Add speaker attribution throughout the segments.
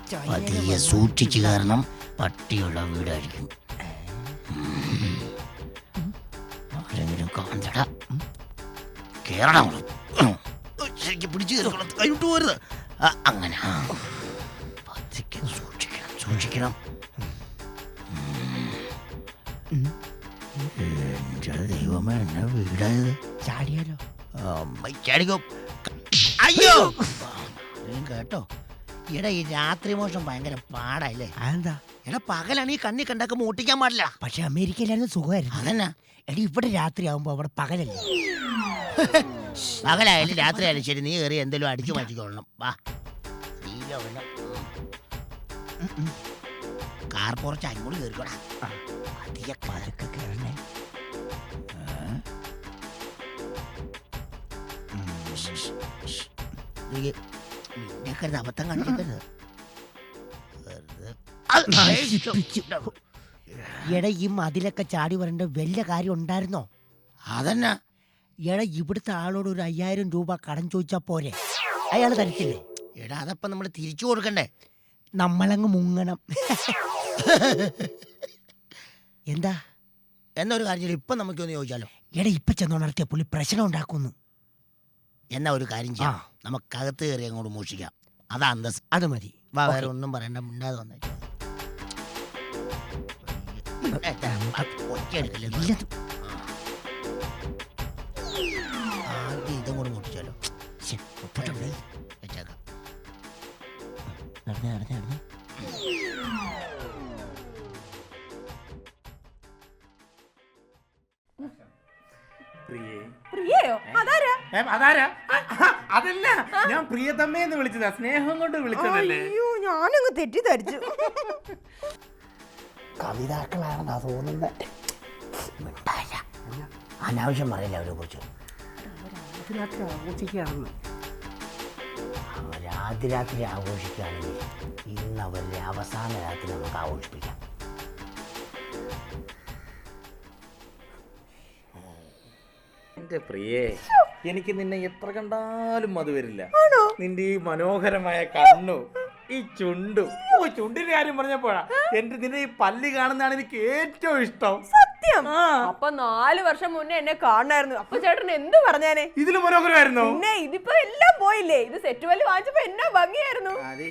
Speaker 1: പതിയെ സൂക്ഷിച്ചു കാരണം പട്ടിയുള്ള വീടായിരിക്കും. ആരെങ്കിലും കാണണ്ടടാ, കേറണം, ശരിക്കും പിടിച്ചു കയറിക്കണം, കൈവിട്ട് പോരുത്. അങ്ങനെ പതിക്കെ സൂക്ഷിക്കണം, സൂക്ഷിക്കണം. എന്റെ ദൈവമേ, എന്നാ വീടായത്?
Speaker 2: ചാടിയാലോ?
Speaker 1: ചാടിക്കോ. അയ്യോ കേട്ടോ. എടാ, ഈ രാത്രി മോഷം ഭയങ്കര പാടല്ലേ?
Speaker 2: അതെന്താ?
Speaker 1: എടാ, പകലാണ് ഈ കണ്ണി കണ്ടാക്കുമ്പോ ഓട്ടിക്കാൻ പാടില്ല.
Speaker 2: പക്ഷെ അമേരിക്കയിലായിരുന്നു സുഖമായിരുന്നു.
Speaker 1: അതന്നെ.
Speaker 2: എടി, ഇവിടെ രാത്രി ആവുമ്പോ അവിടെ പകലല്ലേ?
Speaker 1: പകലായാലും രാത്രി ആയാലും ശരി, നീ കയറി എന്തെങ്കിലും അടിച്ചു മാറ്റിക്കൊള്ളണം. വാ, കാർ കുറച്ച് അങ്ങോട്ട് കയറിക്കോടാ.
Speaker 2: പതുക്കെ കയറണേ.
Speaker 1: നിന്നേക്കരുത്, അബദ്ധം കാണിക്കരുത്.
Speaker 2: എടാ, ഈ മതിലൊക്കെ ചാടി വരേണ്ട വല്ല കാര്യം ഉണ്ടായിരുന്നോ?
Speaker 1: അതന്നെ.
Speaker 2: എടാ, ഇവിടുത്തെ ആളോട് ഒരു 5000 രൂപ കടം ചോദിച്ചാ പോരെ? അയാൾ തരത്തില്ലേ?
Speaker 1: എടാ, അതപ്പം നമ്മൾ തിരിച്ചു കൊടുക്കണ്ടേ?
Speaker 2: നമ്മളങ്ങ് മുങ്ങണം. എന്താ
Speaker 1: എന്നൊരു കാര്യം ഇപ്പൊ നമുക്കൊന്ന് ചോദിച്ചാലോ?
Speaker 2: എടാ, ഇപ്പൊ ചെന്നുണർത്തിയ പുള്ളി പ്രശ്നം ഉണ്ടാക്കുന്നു.
Speaker 1: എന്നാ ഒരു കാര്യം ചെയ്യാം, നമുക്കകത്ത് കയറി അങ്ങോട്ട് മോഷിക്കാം. അതാ അന്തസ്.
Speaker 2: അത് മതി.
Speaker 1: വേറെ ഒന്നും പറയണ്ട, മിണ്ടാതെ വന്നേക്കാം. ആദ്യം ഇതും കൂടെ മോഷിച്ചാലോ? വെച്ചേക്കാം.
Speaker 2: നടന്നേ നടന്നേ നടന്നേ.
Speaker 3: അതല്ല, ഞാൻ പ്രിയതമ്മയെന്ന് വിളിച്ചതാ, സ്നേഹം കൊണ്ട് വിളിച്ചതല്ലേ.
Speaker 4: ഞാനങ്ങ് തെറ്റിദ്ധരിച്ചു.
Speaker 2: കവിതാക്കളാണെന്നാ തോന്നുന്നത്.
Speaker 1: അനാവശ്യം പറയില്ല അവരെ കുറിച്ച്.
Speaker 2: ആഘോഷിക്കുകയാണെന്ന്
Speaker 1: അവരാദ്യ ആഘോഷിക്കുകയാണെങ്കിൽ ഇന്ന് അവരുടെ അവസാന രാത്രി നമുക്ക് ആഘോഷിപ്പിക്കാം.
Speaker 3: എന്റെ പ്രിയേ, എനിക്ക് നിന്നെ എത്ര കണ്ടാലും മതി വരില്ല. നിന്റെ ഈ മനോഹരമായ കണ്ണു, ഈ ചുണ്ടും. ചുണ്ടിന്റെ കാര്യം പറഞ്ഞപ്പോഴാ നിന്റെ ഈ പല്ല് കാണുന്നതാണ് എനിക്ക് ഏറ്റവും ഇഷ്ടം.
Speaker 4: സത്യം. അപ്പൊ 4 വർഷം മുന്നേ എന്നെ കാണായിരുന്നു. അപ്പൊ ചേട്ടൻ എന്ത് പറഞ്ഞാനേ?
Speaker 3: ഇതില് മനോഹരമായിരുന്നു.
Speaker 4: പിന്നെ ഇതിപ്പോ എല്ലാം പോയില്ലേ? ഇത് സെറ്റ് വല്ല് വാങ്ങിച്ചപ്പോ എന്നാ ഭംഗിയായിരുന്നു.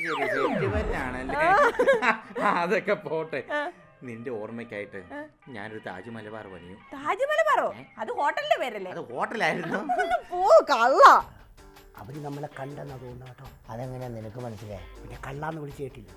Speaker 3: അതൊക്കെ പോട്ടെ. നിന്റെ ഓർമ്മയ്ക്കായിട്ട് ഞാനൊരു താജ് മലബാർ പണിയും.
Speaker 4: താജ് മലബാറോ? അത് ഹോട്ടലിന്റെ പേരല്ലേ?
Speaker 3: അത് ഹോട്ടലായിരുന്നു.
Speaker 4: ഓ കള്ള.
Speaker 2: അവര് നമ്മളെ കണ്ടെന്നാ തോന്നുന്നു കേട്ടോ.
Speaker 1: അതെങ്ങനെയാ നിനക്ക് മനസ്സിലായി?
Speaker 2: പിന്നെ കള്ളാന്ന് വിളിച്ചു കേട്ടില്ല.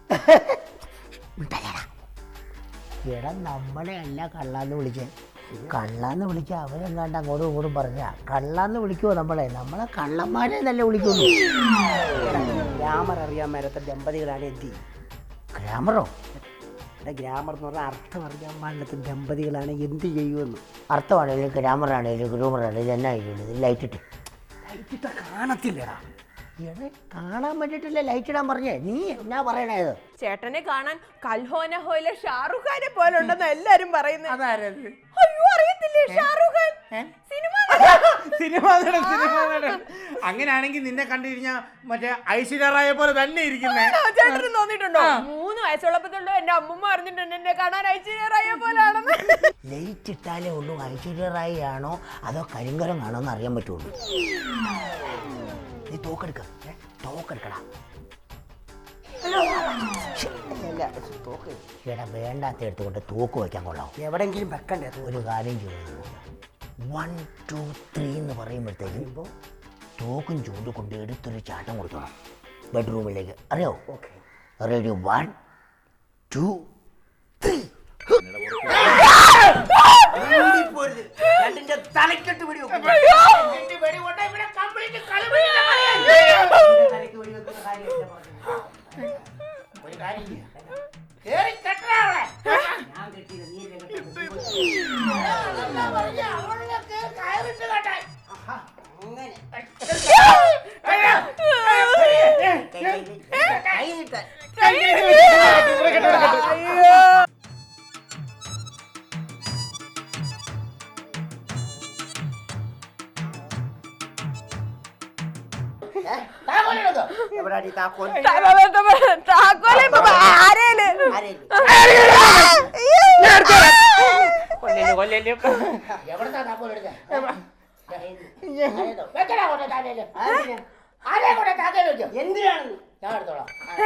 Speaker 1: എടാ, നമ്മളെ അല്ല കള്ളാന്ന് വിളിച്ചേ. കള്ളാന്ന് വിളിച്ച അവരെങ്ങാണ്ട് അങ്ങോട്ടും ഇങ്ങോട്ടും പറഞ്ഞ കള്ളാന്ന് വിളിക്കുവോ? നമ്മളെ കള്ളന്മാരെ നല്ല വിളിക്കുന്നു.
Speaker 2: ഗ്രാമർ അറിയാൻ മേലത്തെ ദമ്പതികളാണ് എന്തി.
Speaker 1: ഗ്രാമറോ?
Speaker 2: ഗ്രാമർ എന്ന് പറഞ്ഞാൽ അർത്ഥം അറിയാൻ പാടില്ലാത്ത ദമ്പതികളാണ് എന്ത് ചെയ്യുമെന്ന്.
Speaker 1: അർത്ഥമാണേലും ഗ്രാമറാണേലും ഗ്രൂമറാണേലും എന്നാ ഇത് ലൈറ്റ് ഇട്ട്
Speaker 2: ലൈറ്റിട്ട കാണത്തില്ലടാ.
Speaker 1: എടേ, കാണാൻ വേണ്ടിട്ടല്ലേ ലൈറ്റ് ഇടാൻ പറഞ്ഞേ? നീ എന്നാ പറയണത്?
Speaker 4: ചേട്ടനെ കാണാൻ കൽഹോന ഹോയിലെ ഷാറുഖ് ഖാനെ പോലെ ഉണ്ടെന്ന് എല്ലാരും പറയുന്നത്.
Speaker 3: അതാരത്?
Speaker 4: അയ്യോ, അറിയത്തില്ലേ? ഷാറുഖ് ഖാൻ സിനിമ
Speaker 3: നടൻ. അങ്ങനെയാണെങ്കിൽ നിന്നെ കണ്ടിരിഞ്ഞ മറ്റേ ഐശ്വര്യ റായെ പോലെ തന്നെ ഇരിക്കുന്നേ.
Speaker 4: ചേട്ടന് തോന്നിയിട്ടുണ്ടോ? 3 വയസ്സുള്ളപ്പോഴല്ലോ എന്റെ അമ്മൂമ്മ പറഞ്ഞിട്ടുണ്ട് എന്നെ കാണാൻ ഐശ്വര്യ റായെ പോലെയാണെന്ന്.
Speaker 1: ലൈറ്റ് ഇട്ടാലേ ഉള്ളൂ ഐശ്വര്യ റായി ആണോ അതോ കരിങ്കരം ആണോ എന്ന് അറിയാൻ പറ്റുള്ളൂ. നീ തോക്കെടുക്കടാ. എടാ, വേണ്ടാത്ത എടുത്തുകൊണ്ട് തോക്ക് വയ്ക്കാൻ കൊള്ളാം.
Speaker 2: എവിടെങ്കിലും വെക്കണ്ടേ?
Speaker 1: ഒരു കാര്യം ചെയ്യുന്നു, 1 2 3 എന്ന് പറയുമ്പോഴത്തേക്കും തോക്കും ചൂണ്ടും കൊണ്ട് എടുത്തൊരു ചാട്ടം കൊടുക്കണം ബെഡ്റൂമിലേക്ക്. അറിയോ?
Speaker 2: Okay,
Speaker 1: ready? 1 2 3. തലക്കെട്ട് പിടി ഒരു കാര്യം
Speaker 4: താക്കോലെ ആരേല്
Speaker 1: എവിടുന്നാ താക്കോൽ എടുത്തേ? എന്തിനാണ് ഞാൻ എടുത്തോളാം.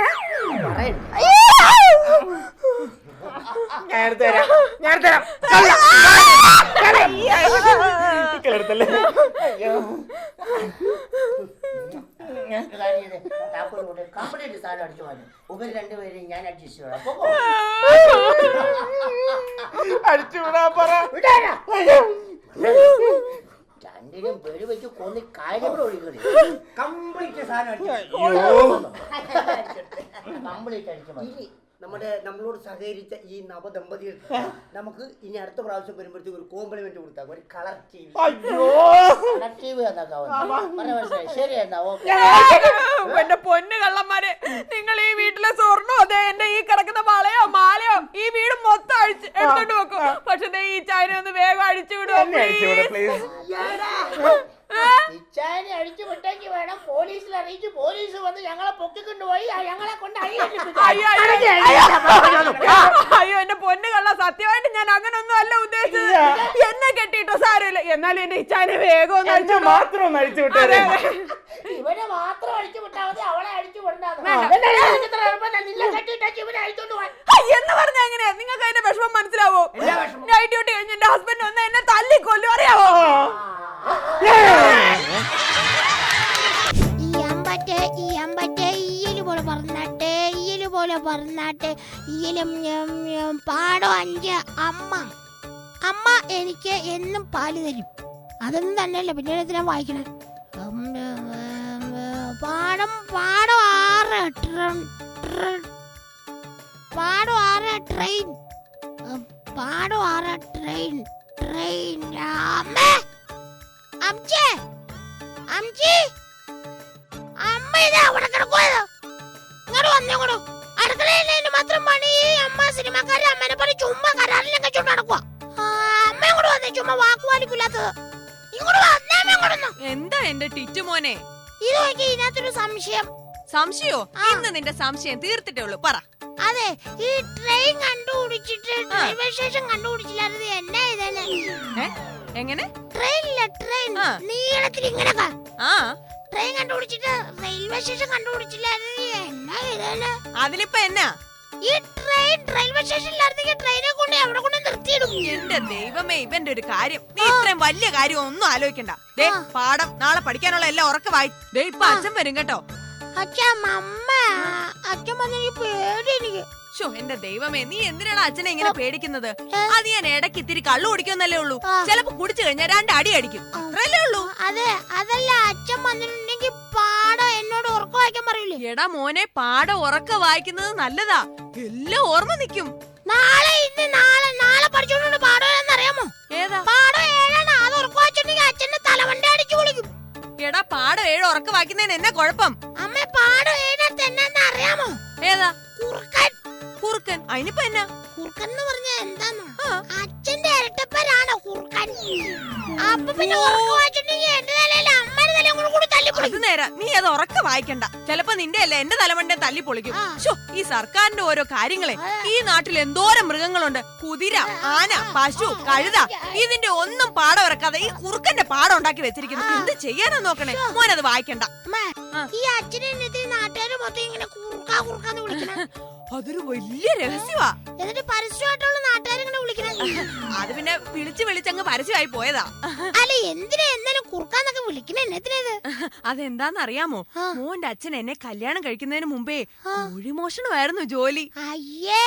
Speaker 1: കംപ്ലീറ്റ് സാധനം അടിച്ചു മാറ്റും. ഉപരി രണ്ടുപേരും ഞാൻ അഡ്ജസ്റ്റ് ചെയ്യാം. രണ്ടിനും പേര് വെച്ച് കൊന്നി കാര്യം കൂടെ ഒഴിക്കണേ. കംപ്ലീറ്റ് സാധനം കംപ്ലീറ്റ് അടിച്ചു മാറ്റി. നമ്മളോട് സഹകരിച്ച ഈ നവദമ്പതികൾ നമുക്ക് ഇനി അടുത്ത പ്രാവശ്യം വരുമ്പോഴത്തേക്ക് ഒരു കോംപ്ലിമെന്റ് കൊടുത്താൽ ഒരു colour T V. Colour T V മനസ്സിലായി. ശരി എന്നാ ഓക്കെ.
Speaker 4: എന്റെ പൊന്നു കള്ളന്മാരെ, നിങ്ങൾ ഈ വീട്ടിലെ സ്വർണ്ണോ അതെ എന്റെ ഈ കിടക്കുന്ന വളയോ മാലയോ ഈ വീട് മൊത്തം എടുത്തോണ്ട് വെക്കും. പക്ഷെ ഈ ചായനെ ഒന്ന് വേഗം അഴിച്ചു വിടുവോ?
Speaker 1: അടിച്ചു വിട്ടെങ്കിൽ വേണം പോലീസിൽ അറിയിച്ച് പോലീസ് വന്ന് ഞങ്ങളെ പൊക്കിക്കൊണ്ടുപോയി ഞങ്ങളെ കൊണ്ട്
Speaker 4: അയ്യോ എന്റെ പൊന്നു കള്ള, സത്യമായിട്ട് ഞാൻ അങ്ങനൊന്നും അല്ല ഉദ്ദേശിച്ചത്. എന്നെ കെട്ടിട്ടോ സാരമില്ല, എന്നാലും എന്റെ ഇച്ചാനെ വേഗം ഒന്ന് അഴിച്ചു
Speaker 3: മാത്രം ഒന്ന് അഴിച്ചു വിട്ടേ.
Speaker 1: ഇവനെ മാത്രം അടിച്ചു വിട്ടാൽ മതി, അവളെ അടിച്ചു വിടണ്ടാന്ന്.
Speaker 4: എന്ന് പറഞ്ഞ എങ്ങനെയാ? നിങ്ങൾക്ക് അതിന്റെ വിഷമം മനസ്സിലാവോ? നൈറ്റ് ഡ്യൂട്ടി കഴിഞ്ഞ് എന്റെ ഹസ്ബൻഡ് വന്ന് എന്നെ തല്ലിക്കൊല്ലും, അറിയാവോ?
Speaker 5: പാടോ 5 അമ്മ എനിക്ക് എന്നും പാല് തരും. അതൊന്നും തന്നെയല്ല, പിന്നീട് എന്തിനാ വായിക്കണേ? പാടോ 6 ട്രെയിൻ അമ്മ ഇതാ അവിടെ കിടക്കുവാ. ഇങ്ങോട്ട് വന്നോളൂ. അടുക്കളയിൽ മാത്രം പണി. അമ്മ സിനിമക്കാരെ അമ്മനെ പോലെ ചുമ്മാ കരാറിലൊക്കെ ചുണ്ട് നടക്കുക. അമ്മ ഇങ്ങോട്ട് വന്നേ, ചുമ്മാ വാക്കുവാലിക്കില്ലാത്തത്. ഇങ്ങോട്ട് വന്നേ.
Speaker 6: എന്താ എന്റെ ടിറ്റു മോനെ?
Speaker 5: ഇത് നോക്കി, ഇതിനകത്തൊരു സംശയം.
Speaker 6: സംശയോ? ഇന്ന് നിന്റെ സംശയം തീർത്തിട്ടേ ഉള്ളൂ, പറ.
Speaker 5: അതെ, ഈ ട്രെയിൻ കണ്ടുപിടിച്ചിട്ട് റെയിൽവേ സ്റ്റേഷൻ കണ്ടുപിടിച്ചില്ലായിരുന്നു. എന്നാ ഇതന്നെ?
Speaker 6: എങ്ങനെ?
Speaker 5: ട്രെയിനില്ല, ട്രെയിൻ നീളത്തിൽ ഇങ്ങനെ
Speaker 6: ട്രെയിൻ
Speaker 5: കണ്ടുപിടിച്ചിട്ട് റെയിൽവേ സ്റ്റേഷൻ കണ്ടുപിടിച്ചില്ലായിരുന്നു. എന്നാ ഇതന്നെ?
Speaker 6: അതിലിപ്പോ എന്നാ?
Speaker 5: ഈ ട്രെയിൻ റെയിൽവേ സ്റ്റേഷനിലായിരുന്നെങ്കിൽ ട്രെയിനെ കൊണ്ട് അവിടെ കൊണ്ട് നിർത്തിയിടും.
Speaker 6: എന്റെ ദൈവമേ, ഇവന്റെ ഒരു കാര്യം. നീ ഇത്രയും വലിയ കാര്യം ഒന്നും ആലോചിക്കണ്ട. പാഠം നാളെ പഠിക്കാനുള്ള എല്ലാം ഉറക്കമായി. ഇപ്പൊ അച്ഛൻ വരും കേട്ടോ.
Speaker 5: അച്ഛൻ വന്നെനിക്ക് പേടി. എനിക്ക്
Speaker 6: എന്റെ ദൈവമേ, നീ എന്തിനാണ് അച്ഛനെ ഇങ്ങനെ പേടിക്കുന്നത്? അത് ഞാൻ ഇടയ്ക്ക് ഇത്തിരി കള്ളു കുടിക്കുന്നല്ലേ ഉള്ളൂ. ചിലപ്പോ കുടിച്ചു കഴിഞ്ഞാൽ 2 അടി അടിക്കും, അത്രല്ലേ ഉള്ളൂ.
Speaker 5: അതെ, അതല്ല, അച്ഛൻ വന്നിട്ടുണ്ടെങ്കിൽ പാടം എന്നോട് ഉറക്കം വായിക്കാൻ പറയൂലേ?
Speaker 6: എടാ മോനെ, പാഠം ഉറക്ക വായിക്കുന്നത് നല്ലതാ, എല്ലാം ഓർമ്മ നിക്കും.
Speaker 5: നാളെ പഠിച്ചോണ്ട് പാടം ഏതാണെന്നറിയാമോ?
Speaker 6: ഏതാ?
Speaker 5: പാടം 7 അത് ഉറക്കം വായിച്ചിട്ടുണ്ടെങ്കിൽ അച്ഛന്റെ തലവണ്ടി അടിച്ചു വിളിക്കും.
Speaker 6: എടാ, പാഠം 7 ഉറക്ക വായിക്കുന്നതിന് എന്നാ കുഴപ്പം?
Speaker 5: അമ്മ, പാടം 7 എന്നാ അറിയാമോ?
Speaker 6: ഏതാ?
Speaker 5: കുറുക്കൻ.
Speaker 6: അതിനിപ്പോ എന്നാ?
Speaker 5: കുറുക്കൻ എന്ന് പറഞ്ഞാ എന്താന്നോ? അച്ഛന്റെ ഇരട്ടപ്പേരാണ് കുറുക്കൻ. അപ്പൊ പിന്നെ ഉറക്കം വായിച്ചിട്ടുണ്ടെങ്കിൽ എന്റെ തലയിൽ അമ്മയുടെ തലയും കൂടി തല്ലിപ്പൊളിക്കും.
Speaker 6: അത് നേരാ, നീ അത് ഉറക്ക വായിക്കണ്ട. ചിലപ്പോ നിന്റെ അല്ല എന്റെ തലമണ്ടെ തല്ലി പൊളിക്കും. ഈ സർക്കാരിന്റെ ഓരോ കാര്യങ്ങളെ. ഈ നാട്ടിൽ എന്തോരം മൃഗങ്ങളുണ്ട്. കുതിര, ആന, പശു, കഴുത. ഇതിന്റെ ഒന്നും പാടം ഇറക്കാതെ ഈ കുറുക്കന്റെ പാടം ഉണ്ടാക്കി വെച്ചിരിക്കുന്നു. എന്ത് ചെയ്യാനാ നോക്കണേ? മോനത് വായിക്കണ്ട.
Speaker 5: ഈ അച്ഛനെ നാട്ടുകാര് മൊത്തം ഇങ്ങനെ കുറുക്കാന്ന് വിളിക്കണ
Speaker 6: അതൊരു വലിയ രഹസ്യമാ.
Speaker 5: എന്നിട്ട് പരസ്യമായിട്ടുള്ള നാട്ടുകാരിങ്ങനെ വിളിക്കണ.
Speaker 6: അത് പിന്നെ വിളിച്ചങ്ങ് പരസ്യമായി പോയതാ.
Speaker 5: അല്ല, എന്തിനാ എന്നാലും കുറുക്കാന്നൊക്കെ വിളിക്കണ? എന്നതിനത്?
Speaker 6: അതെന്താന്നറിയാമോ? മോന്റെ അച്ഛൻ എന്നെ കല്യാണം കഴിക്കുന്നതിന് മുമ്പേ കോഴിമോഷണമായിരുന്നു ജോലി.
Speaker 5: അയ്യേ,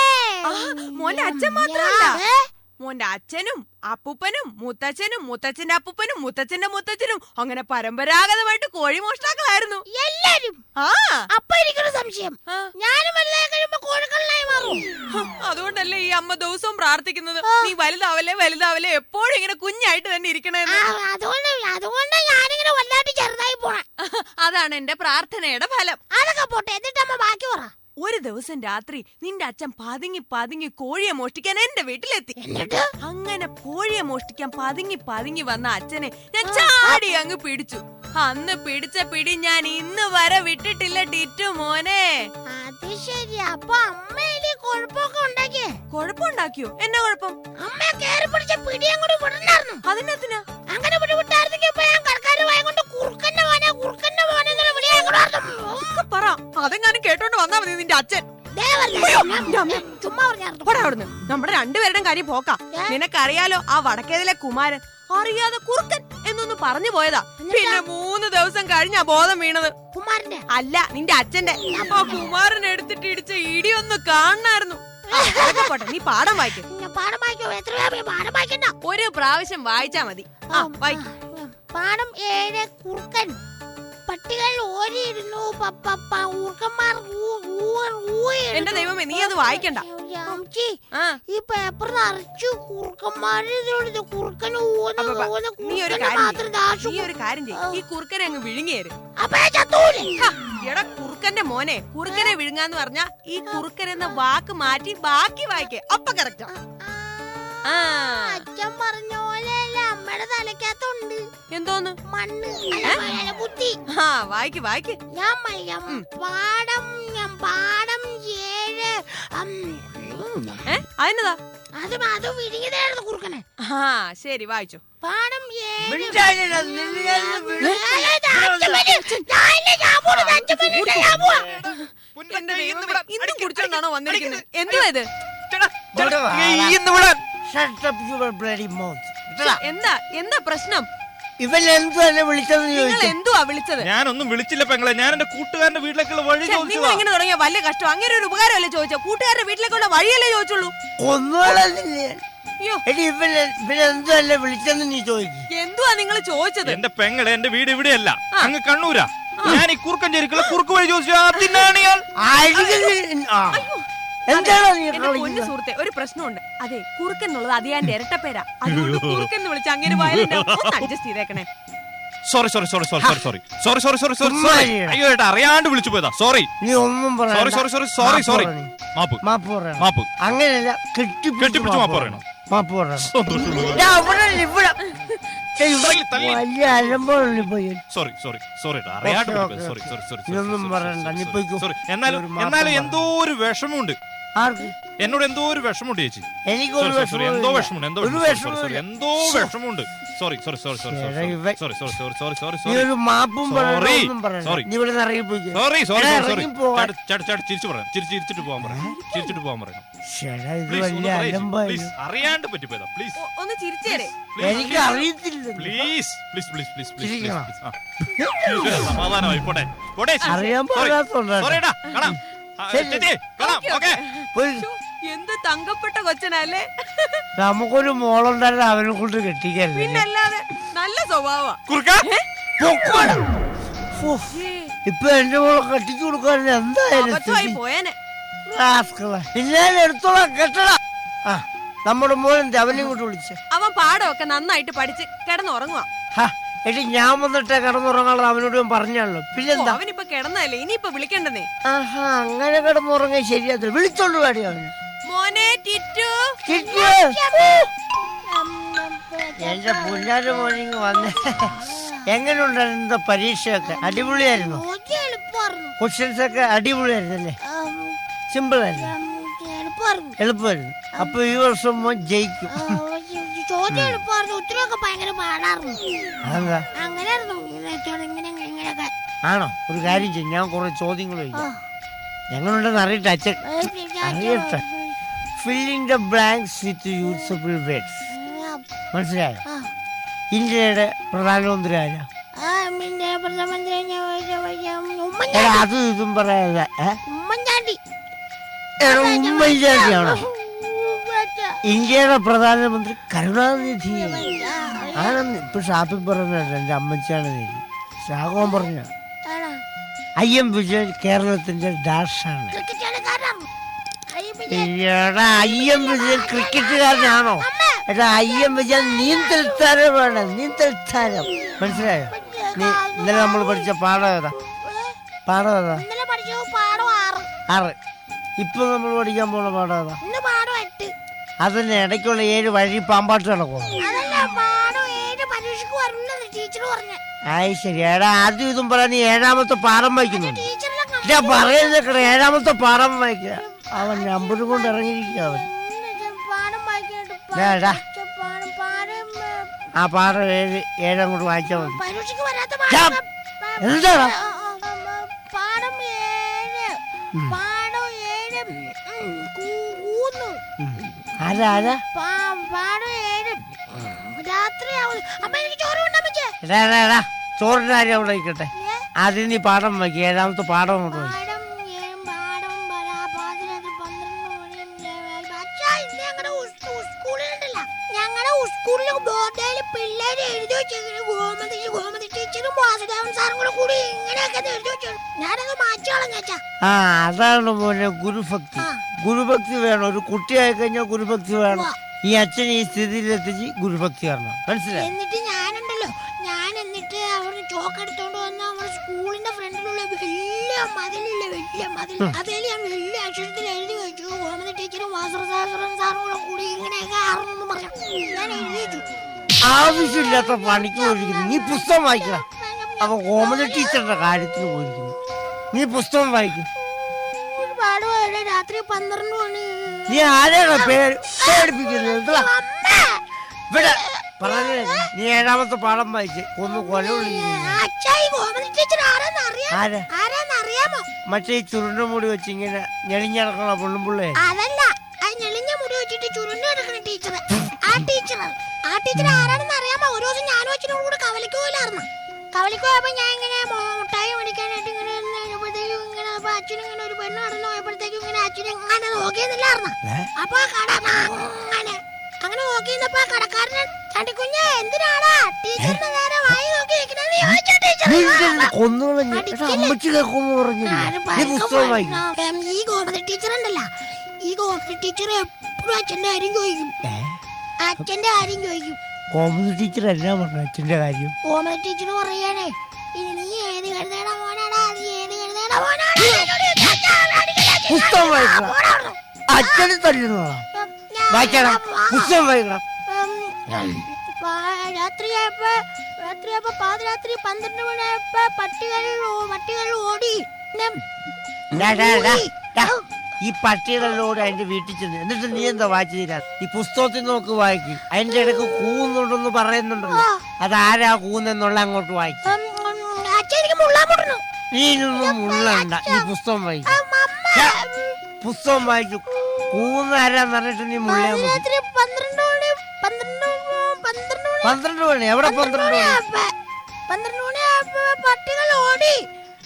Speaker 6: മോന്റെ അച്ഛൻ മാത്രമല്ല, മോന്റെ അച്ഛനും അപ്പൂപ്പനും മുത്തച്ഛനും മുത്തച്ഛന്റെ അപ്പൂപ്പനും മുത്തച്ഛന്റെ മുത്തച്ഛനും അങ്ങനെ പരമ്പരാഗതമായിട്ട് കോഴിമോഷ്ടാക്കളായിരുന്നു എല്ലാരും.
Speaker 5: അപ്പൊ എനിക്കൊരു സംശയം, ഞാനും വലുതായി കഴിയുമ്പോ കോഴിക്കള്ളനായി മാറും.
Speaker 6: അതുകൊണ്ടല്ലേ ഈ അമ്മ ദിവസവും പ്രാർത്ഥിക്കുന്നത്, നീ വലുതാവല്ലേ എപ്പോഴും ഇങ്ങനെ കുഞ്ഞായിട്ട് തന്നെ ഇരിക്കണേന്ന്.
Speaker 5: അതുകൊണ്ട് ഞാനിങ്ങനെ വല്ലാണ്ട് ചെറുതായി പോണേ.
Speaker 6: അതാണ് എന്റെ പ്രാർത്ഥനയുടെ ഫലം.
Speaker 5: അതൊക്കെ പോട്ടെ, എന്നിട്ട് അമ്മ ബാക്കി പറ.
Speaker 6: ഒരു ദിവസം രാത്രി നിന്റെ അച്ഛൻ പതുങ്ങി കോഴിയെ മോഷ്ടിക്കാൻ എന്റെ വീട്ടിലെത്തി. അങ്ങനെ കോഴിയെ മോഷ്ടിക്കാൻ പതുങ്ങി വന്ന അച്ഛനെ ഞാൻ ചാടി അങ്ങ് പിടിച്ചു. അന്ന് പിടിച്ച പിടി ഞാൻ ഇന്ന് വരെ വിട്ടിട്ടില്ല ടിറ്റു മോനെ.
Speaker 5: അത് ശരി, അപ്പൊ അമ്മയിലെ കുഴപ്പമൊക്കെ ഉണ്ടാക്കിയേ?
Speaker 6: കുഴപ്പമുണ്ടാക്കിയോ? എന്നാ കുഴപ്പം?
Speaker 5: അമ്മയെ കേറി പിടിച്ച പിടി അങ്ങോട്ട് വിടണ്ടായിരുന്നു.
Speaker 6: അതിനെത്തിനാ?
Speaker 5: അങ്ങനെ വിട്ടായിരുന്നെങ്കിൽ ഇപ്പൊ ഞാൻ കടക്കാര് വായ കൊണ്ട് കുറുക്കന്റെ മോനെ എന്നുള്ള വിളിയാ
Speaker 6: ഒക്കെ പറ. അതെങ്ങാനും കേട്ടോണ്ട് വന്നാ മതി നിന്റെ അച്ഛൻ.
Speaker 5: ചുമ്മാ പറഞ്ഞായിരുന്നു.
Speaker 6: പോടാ അവിടുന്ന്. നമ്മുടെ രണ്ടുപേരുടെയും കാര്യം പോക്കാ. നിനക്കറിയാലോ ആ വടക്കേതിലെ കുമാരൻ അറിയാതെ കുറുക്കൻ എന്നൊന്ന് പറഞ്ഞു പോയതാ. പിന്നെ 3 ദിവസം കഴിഞ്ഞാ ബോധം വീണത്.
Speaker 5: കുമാരന്റെ
Speaker 6: അല്ല, നിന്റെ അച്ഛന്റെ. ആ കുമാരൻ എടുത്തിട്ട് ഇടിച്ച ഇടി ഒന്ന് കാണണായിരുന്നു. പോട്ടെ, നീ പാഠം വായിക്കും.
Speaker 5: പാഠം വായിക്കോ? എത്ര പാഠം വായിക്കണ്ട,
Speaker 6: ഒരു പ്രാവശ്യം വായിച്ചാ മതി.
Speaker 5: പാഠം 7 കുറുക്കൻ. പട്ടികൾ ഓരിയിരുന്നു, ഊർക്കന്മാർ
Speaker 6: എന്റെ ദൈവമേ, നീ അത് വായിക്കണ്ട.
Speaker 5: ഈ പേപ്പർ നിറച്ചു കുറുക്കന്മാര്.
Speaker 6: നീ ഒരു കാര്യം ചെയ്യ്. ഈ കുറുക്കനെ അങ്ങ് വിഴുങ്ങിയേര്. എടാ കുറുക്കന്റെ മോനെ, കുറുക്കനെ വിഴുങ്ങാന്ന് പറഞ്ഞാ ഈ കുറുക്കൻ എന്ന വാക്ക് മാറ്റി ബാക്കി വായിക്കേ. അപ്പൊ കറക്റ്റാ.
Speaker 5: അച്ഛൻ പറഞ്ഞ പോലെയല്ല അമ്മയുടെ തലക്കകത്തുണ്ട്.
Speaker 6: എന്തോന്ന്?
Speaker 5: മണ്ണ്, ബുദ്ധി.
Speaker 6: വായിക്ക് വായിക്ക്.
Speaker 5: പാഠം 7.
Speaker 6: അതിനതാ?
Speaker 5: അത് വിഴുങ്ങിയതായിരുന്നു കുറുക്കനെ.
Speaker 6: ശരി, വായിച്ചു.
Speaker 5: പാഠം 7.
Speaker 6: എന്റെ ദൈവമേ, ഇന്നും കുടിച്ചോണ്ടാണോ വന്നിരിക്കുന്നത്? എന്തുവാ ഇത്? എന്താ പ്രശ്നം?
Speaker 2: ഇവൻ എന്തുവല്ലേ വിളിച്ചതെന്ന്
Speaker 6: നിങ്ങൾ
Speaker 2: ചോദിച്ചു.
Speaker 6: എന്തുവാ വിളിച്ചത്?
Speaker 3: ഞാനൊന്നും വിളിച്ചില്ല പെങ്ങളെ. ഞാൻ എന്റെ കൂട്ടുകാരന്റെ വീട്ടിലേക്കുള്ള വഴി
Speaker 6: നിങ്ങൾ
Speaker 3: ചോദിച്ചതാ.
Speaker 6: ഇങ്ങനെ തുടങ്ങിയ വലിയ കഷ്ടം. അങ്ങനെ ഒരു ഉപകാരമല്ലേ ചോദിച്ചോ? കൂട്ടുകാരുടെ വീട്ടിലേക്കുള്ള വഴിയല്ലേ ചോദിച്ചുള്ളൂ.
Speaker 2: ഒന്നുമല്ലേ
Speaker 6: അയ്യോ,
Speaker 2: എടി, ഇവനെന്തുവല്ലേ വിളിച്ചെന്ന് നീ ചോദിക്കും.
Speaker 6: എന്തുവാ നിങ്ങൾ ചോദിച്ചത്?
Speaker 3: എന്റെ പെങ്ങളെ, എന്റെ വീട് ഇവിടെയല്ല, അങ്ങ് കണ്ണൂരാ. ഞാൻ ഈ കുറുക്കഞ്ചേരിക്കുള്ള കുറുക്ക് വഴി ചോദിച്ചു. അതിനാണ് ഞാൻ
Speaker 2: എന്താണോ നീ
Speaker 6: എന്റെ പൊന്നു സുഹൃത്തെ, ഒരു പ്രശ്നമുണ്ട്. അതെ, കുറുക്കൻ എന്നുള്ളത് അതിയാന്റെ ഇരട്ടപ്പേരാ. അതുകൊണ്ട് കുറുക്കൻ എന്ന് വിളിച്ച് അങ്ങനെ അഡ്ജസ്റ്റ് ചെയ്തേക്കണേ.
Speaker 3: സോറി. അയ്യോ ഏട്ടാ, അറിയാണ്ട് വിളിച്ചു പോയതാ. സോറി.
Speaker 2: നീ ഒന്നും
Speaker 3: സോറി. മാപ്പ്.
Speaker 2: അങ്ങനെയല്ല,
Speaker 3: കെട്ടിപ്പിടിച്ച് മാപ്പ് പറയണം.
Speaker 2: മാപ്പ് പറയണം. വലിയ അലമ്പോഴല്ലേ പോയി.
Speaker 3: സോറി അറിയാണ്ട്
Speaker 2: ഇതൊന്നും പറയണ്ട, നീ പോയിക്കോ.
Speaker 3: സോറി. എന്നാലും എന്തോ ഒരു വിഷമമുണ്ട്.
Speaker 2: ആർക്ക്?
Speaker 3: എന്നോട് എന്തോ ഒരു വിഷമമുണ്ട് ചേച്ചി.
Speaker 2: എനിക്കൊരു
Speaker 3: എന്തോ വിഷമമുണ്ട്. സോറി.
Speaker 2: ഒരു മാപ്പും നീ ഇവിടെ ഇറങ്ങിപ്പോയി.
Speaker 3: ചിരിച്ചിട്ട് പോകാൻ പറയണം.
Speaker 2: ഇത് വലിയ അലമ്പായിരുന്നു.
Speaker 3: അറിയാണ്ട് പറ്റിപ്പോയതാ. പ്ലീസ്
Speaker 6: ഒന്ന് ചിരിച്ചേരെ.
Speaker 2: എനിക്ക് അറിയത്തില്ല.
Speaker 3: പ്ലീസ്. സമാധാനമായി പോട്ടെ.
Speaker 2: അറിയാൻ പാടാത്തോണ്ടാ.
Speaker 6: എന്ത് തങ്കപ്പെട്ട കൊച്ചനല്ലേ.
Speaker 2: നമുക്കൊരു മോളുണ്ടായിരുന്നു, അവനെ കൊണ്ട് കെട്ടിക്കരുത്.
Speaker 6: പിന്നല്ലാതെ നല്ല സ്വഭാവ.
Speaker 2: ഇപ്പൊ എന്റെ മോളെ കെട്ടിച്ചു കൊടുക്കാൻ എന്തായാലും
Speaker 6: പോയനെ.
Speaker 2: എടുത്തോളാം, കെട്ടടാ. നമ്മുടെ മോനെന്താ അവനെ കൊണ്ട് വിളിച്ചേ?
Speaker 6: അവൻ പാടമൊക്കെ നന്നായിട്ട് പഠിച്ച് കിടന്നുറങ്ങുക.
Speaker 2: എടി, ഞാൻ വന്നിട്ട് കിടന്നുറങ്ങാനുള്ള അവനോട് ഞാൻ പറഞ്ഞാണല്ലോ. പിന്നെന്താ?
Speaker 6: അവനിപ്പൊ കിടന്നല്ലേ, ഇനിയിപ്പൊ വിളിക്കണ്ടെന്നേ.
Speaker 2: അങ്ങനെ കിടന്നുറങ്ങാൻ ശരിയാത്തില്ല. വിളിച്ചോണ്ട് പാടി അവന്.
Speaker 6: മോനെ ടിറ്റു.
Speaker 2: എന്റെ പുല്ലാര മോർണിംഗ് വന്നേ. എങ്ങനെയുണ്ടായിരുന്നു പരീക്ഷയൊക്കെ? അടിപൊളിയായിരുന്നു. ക്വസ്റ്റ്യൻസ് ഒക്കെ അടിപൊളിയായിരുന്നല്ലേ? സിമ്പിൾ ആയിരുന്നു, എളുപ്പമായിരുന്നു. അപ്പൊ ഈ വർഷം മോൻ ജയിക്കും.
Speaker 5: ചോദ്യം എളുപ്പമായിരുന്നു, ഉത്തരവൊക്കെ ഭയങ്കര പാടായിരുന്നു.
Speaker 2: അതെന്താ?
Speaker 5: അങ്ങനെയായിരുന്നു.
Speaker 2: ആണോ? ഒരു കാര്യം ചെയ്യും, ഞാൻ കുറെ ചോദ്യങ്ങൾ ചോദിക്കാം. എങ്ങനെയുണ്ടെന്ന് അറിയട്ടെ അച്ഛൻ, അറിയട്ടെ. Filling the blanks with usable words. മനസ്സിലായോ? ഇന്ത്യയുടെ പ്രധാനമന്ത്രി ആരാ? അതും ഇതും പറയാതെ
Speaker 5: ഉമ്മൻചാണ്ടി.
Speaker 2: ഉമ്മൻചാണ്ടിയാണോ? ഇന്ത്യയുടെ പ്രധാനമന്ത്രി കരുണാനിധി ആണെന്ന് ഇപ്പൊ ഷാപ്പിൽ പറഞ്ഞത്. എന്റെ അമ്മച്ചാണ് നീതി രാഘവൻ പറഞ്ഞ. IM വിജയൻ കേരളത്തിന്റെ ഡാഷാണ്. IM വിജയൻ ക്രിക്കറ്റുകാരനാണോ? എടാ, IM വിജയൻ നീന്തൽ താരമാണ്. നീന്തൽ താരം. മനസ്സിലായോ? നീ ഇന്നലെ നമ്മൾ പഠിച്ച പാഠം ഏതാ? 6. ഇപ്പൊ നമ്മൾ പഠിക്കാൻ പോണ പാഠം ഏതാ? അതിന് ഇടയ്ക്കുള്ള 7 വഴി പാമ്പാട്ട് നടക്കും. ആയി ശരി. എടാ, ആദ്യം ഇതും പറയാൻ നീ 7ാമത്തെ പാഠം വായിക്കുന്നു. ഞാൻ പറയുന്ന 7-ാമത്തെ പാഠം വായിക്കുക. അവൻ നമ്പറും കൊണ്ട് ഇറങ്ങിയിരിക്കുക അവൻ.
Speaker 5: പാടം വായിക്കാനായിട്ട്
Speaker 2: ഡാ,
Speaker 5: പാടം പാടം
Speaker 2: ആ പാഠം 7 അങ്ങോട്ട് വായിച്ചാൽ മതി.
Speaker 5: പരീക്ഷയ്ക്ക് വരാത്ത
Speaker 2: ഞാൻ എന്താടാ
Speaker 5: പാടം 7 പാടം 7 കൂന്നു
Speaker 2: ആരാ
Speaker 5: പാടം 7 രാത്രിയാവും. അമ്മ എനിക്ക് ചോറ് കൊണ്ടാ
Speaker 2: ചോറിന്റെ കാര്യം അവിടെ നിൽക്കട്ടെ. ആദ്യം നീ പാഠം വായിക്കുക. 7-ാമത്തെ പാഠം അങ്ങോട്ട് വായിക്കും.
Speaker 5: പാടം പാതിരാത്രി 12 മണി. ഞങ്ങളുടെ സ്കൂളിൽ ബോർഡിൽ പിള്ളേര് എഴുതി വെച്ചിങ്ങനെ ഗോമതി ടീച്ചറും വാസുദേവൻ സാറും കൂടെ കൂടി ഇങ്ങനെയൊക്കെ എഴുതി വെച്ചു. ഞാനത് മാറ്റി കളഞ്ഞാ.
Speaker 2: ആ അതാണ് മോനെ ഗുരുഭക്തി. ഗുരുഭക്തി വേണം. ഒരു കുട്ടിയായി കഴിഞ്ഞാൽ ഗുരുഭക്തി വേണം. ഈ അച്ഛൻ ഈ സ്ഥിതിയിലെത്തിച്ച് ഗുരുഭക്തി വരണം. മനസ്സിലായി?
Speaker 5: എന്നിട്ട് ഞാനുണ്ടല്ലോ എന്നിട്ട് അവർ ചോക്ക് എടുത്തോണ്ട് വന്ന് നമ്മുടെ സ്കൂളിന്റെ ഫ്രണ്ടിലുള്ള വലിയ മതിൽ അതിൽ ഞാൻ വലിയ അക്ഷരത്തിൽ എഴുതി വെച്ചു. ഗോമതി ടീച്ചറും വാസുദേവൻ സാറും കൂടെ കൂടി ഇങ്ങനെയൊക്കെ ആറെന്ന് പറഞ്ഞു ഞാൻ എഴുതി വെച്ചു.
Speaker 2: ആവശ്യമില്ലാത്ത പണിക്ക് പോയിരിക്കുന്നു. നീ പുസ്തകം വായിക്കണം. അപ്പൊ ഗോമതി ടീച്ചറുടെ കാര്യത്തിന് പോയിരിക്കുന്നു. നീ പുസ്തകം വായിക്കും.
Speaker 5: ഒരുപാട് രാത്രി 12 മണി.
Speaker 2: നീ ആരെയാണ് പേടിപ്പിക്കുന്നത്? ഇവിടെ പറഞ്ഞേ. നീ 7-ാമത്തെ പാഠം വായിച്ച് ഒന്ന് കൊല
Speaker 5: അറിയാമോ?
Speaker 2: മറ്റേ ഈ ചുരുണ്ട മുടി വെച്ച് ഇങ്ങനെ ഞെളിഞ്ഞടക്കണ പെണ്ണുമ്പിള്ളേ.
Speaker 5: അതല്ല, ആ ഞെളിഞ്ഞ മുടി വെച്ചിട്ട് ചുരുണ്ട് കിടക്കുന്ന ടീച്ചർ. ആ ടീച്ചർ ആരാണെന്ന് അറിയാമോ? ഒരു ദിവസം ഞാനും അച്ഛനോട് കൂടെ കവലിക്ക് പോയില്ലായിരുന്നു. കവലിക്ക് പോയപ്പോ ഞാൻ ഇങ്ങനെ മുട്ടായി മേടിക്കാനായിട്ട് ഇങ്ങനെ ഇങ്ങനെ അച്ഛനിങ്ങനെ ഒരു പെണ്ണ് കടന്നു പോയപ്പോഴത്തേക്കും ഇങ്ങനെ അച്ഛനെ അങ്ങനെ നോക്കിയെന്നില്ലായിരുന്നു. അപ്പൊ ആ കട അങ്ങനെ നോക്കിയിരുന്നപ്പോ ആ കടക്കാരൻ ചണ്ടിക്കുഞ്ഞ് എന്തിനാടാ ടീച്ചറിന്റെ നേരെ വായി നോക്കി നിൽക്കുന്നത് ചോദിച്ചു. ടീച്ചർ ഈ ഗോമതി ടീച്ചർ ഉണ്ടല്ലോ, ഈ ഗോമതി ടീച്ചർ എപ്പോഴും അച്ഛന്റെ കാര്യം ചോദിക്കും.
Speaker 2: ഗോമതി ടീച്ചർ എന്നാ പറഞ്ഞു അച്ഛന്റെ കാര്യം?
Speaker 5: ഗോമതി ടീച്ചർ പറയാനേ, നീ ഏത് കഴുതേട മോനാടാ, നീ ഏത് കഴുതേട മോനാടാ.
Speaker 2: പുസ്തകം വായിക്കണം. അച്ഛന് തല്ലുന്നതാ. വായിക്കണം. പുസ്തകം വായിക്കണം.
Speaker 5: രാത്രിയായപ്പോ പാതിരാത്രി 12 മണിയായപ്പോ പട്ടികൾ ഓടി.
Speaker 2: ഈ പട്ടികളോട് അതിന്റെ വീട്ടിൽ ചെന്ന് എന്നിട്ട് നീ എന്താ വായിച്ചു തീരാ? ഈ പുസ്തകത്തിൽ നോക്ക് വായിക്കും. അതിന്റെ ഇടയ്ക്ക് കൂന്നുണ്ടെന്ന് പറയുന്നുണ്ടല്ലോ, അതാരാ കൂന്നെന്നുള്ള അങ്ങോട്ട് വായിക്കും. നീ ഇതൊന്നും മുള്ളണ്ട. നീ പുസ്തകം വായിക്കും. പുസ്തകം വായിക്കും. കൂന്നാരാന്ന് പറഞ്ഞിട്ട് നീ മുള്ളിയാ മതി. 12 മണി എവിടെ? 12 മണി
Speaker 5: പട്ടികൾ ഓടി.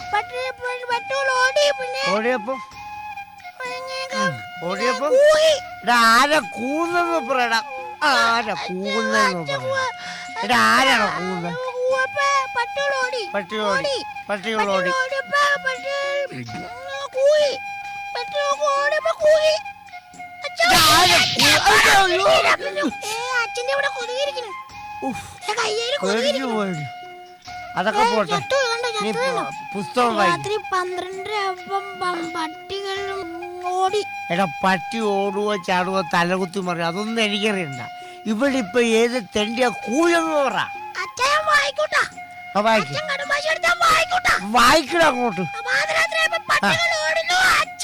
Speaker 2: ഓടിയപ്പോ ആരാ കൂന്നെന്ന് പറയടാ. ആരാ കൂന്നെന്ന് പറയടാ. ആരാണോ കൂന്ന്?
Speaker 5: പട്ടികളോടി. അച്ഛന്റെ ഇവിടെ കൊതുകിരിക്കുന്നു.
Speaker 2: അതൊക്കെ പോട്ടെ. നീ പുസ്തകം
Speaker 5: രാത്രി 12 പട്ടികളും ഓടി.
Speaker 2: എടാ പട്ടി ഓടുവോ ചാടുവോ തലകുത്തി മറിയോ അതൊന്നും എനിക്കറിയണ്ട. ഇവിടെ ഇപ്പൊ ഏത് തെണ്ടിയാ കൂലെന്ന് പറ. വായിക്കട അങ്ങോട്ട്.